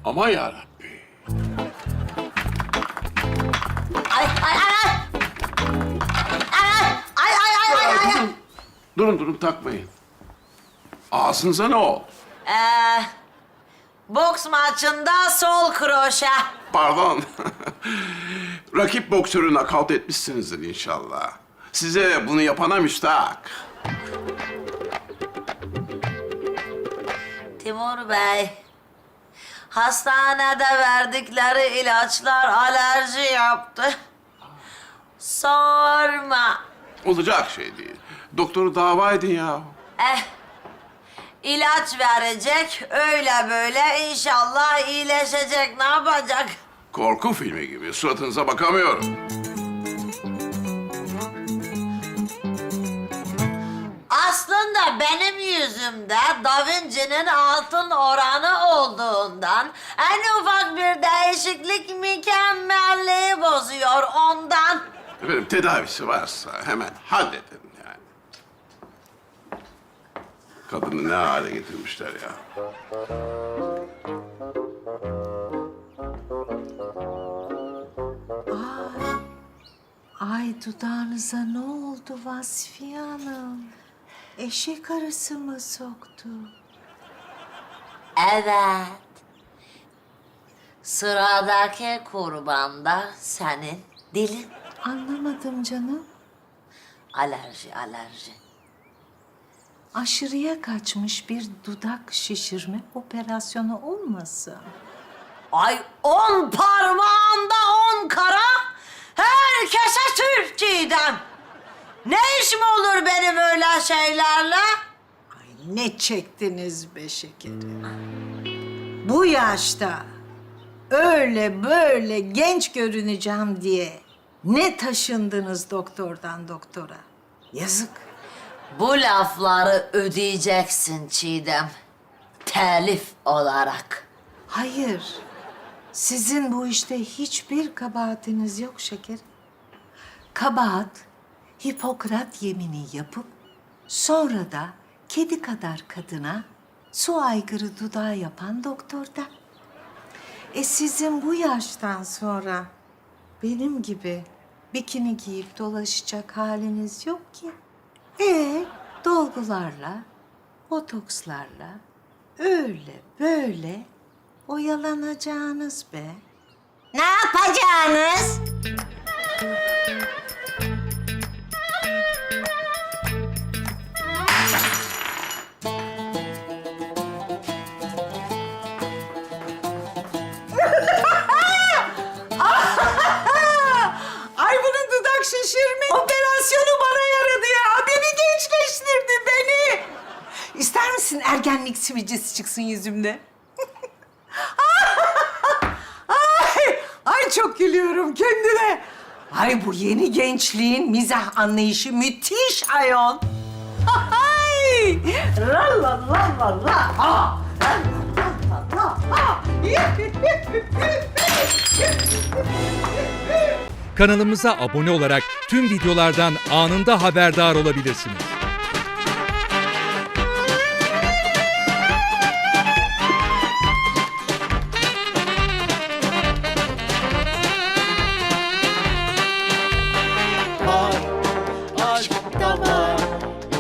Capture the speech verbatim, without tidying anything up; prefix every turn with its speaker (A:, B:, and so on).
A: Aman yarabbi.
B: Ay ay ay ay. Ay ay ay ay ay. ay.
A: Durun durun takmayın. Ağzınıza ne oldu?
B: Ee, boks maçında sol kroşe.
A: Pardon. Rakip boksörü nakavt etmişsinizdir inşallah. Size bunu yapana müstahak.
B: Timur Bey, hastanede verdikleri ilaçlar alerji yaptı. Sorma.
A: Olacak şey değil. Doktoru dava edin ya.
B: Eh, ilaç verecek, öyle böyle inşallah iyileşecek. Ne yapacak?
A: Korku filmi gibi. Suratınıza bakamıyorum.
B: Aslında benim yüzümde Da Vinci'nin altın oranı olduğundan en ufak bir değişiklik mükemmelliği bozuyor ondan.
A: Efendim tedavisi varsa hemen halledin yani. Kadını ne hale getirmişler ya.
C: Ay dudağınıza ne oldu Vasfiye Hanım? Eşek arısı mı soktu?
B: Evet. Sıradaki kurban da senin dilin.
C: Anlamadım canım.
B: Alerji, alerji.
C: Aşırıya kaçmış bir dudak şişirme operasyonu olmasın?
B: Ay on parmağında on kara, herkese Türk Çiğdem. Ne işim olur benim öyle şeylerle?
C: Ay ne çektiniz be şekerim. Bu yaşta öyle böyle genç görüneceğim diye ne taşındınız doktordan doktora? Yazık.
B: Bu lafları ödeyeceksin Çiğdem. Telif olarak.
C: Hayır. Sizin bu işte hiçbir kabahatiniz yok şekerim. Kabahat, Hipokrat yemini yapıp sonra da kedi kadar kadına su aygırı dudağı yapan doktorda. E sizin bu yaştan sonra benim gibi bikini giyip dolaşacak haliniz yok ki. E dolgularla, botokslarla öyle böyle oyalanacağınız be.
B: Ne yapacağınız?
C: Ay bunun dudak şişirme operasyonu bana yaradı ya. Beni gençleştirdi beni. İster misin ergenlik sivilcesi çıksın yüzümde? ay, ay çok gülüyorum kendine. Ay bu yeni gençliğin mizah anlayışı müthiş ayol. Ay! La la la la la. Ah! La la la la. Ah!
D: Kanalımıza abone olarak tüm videolardan anında haberdar olabilirsiniz.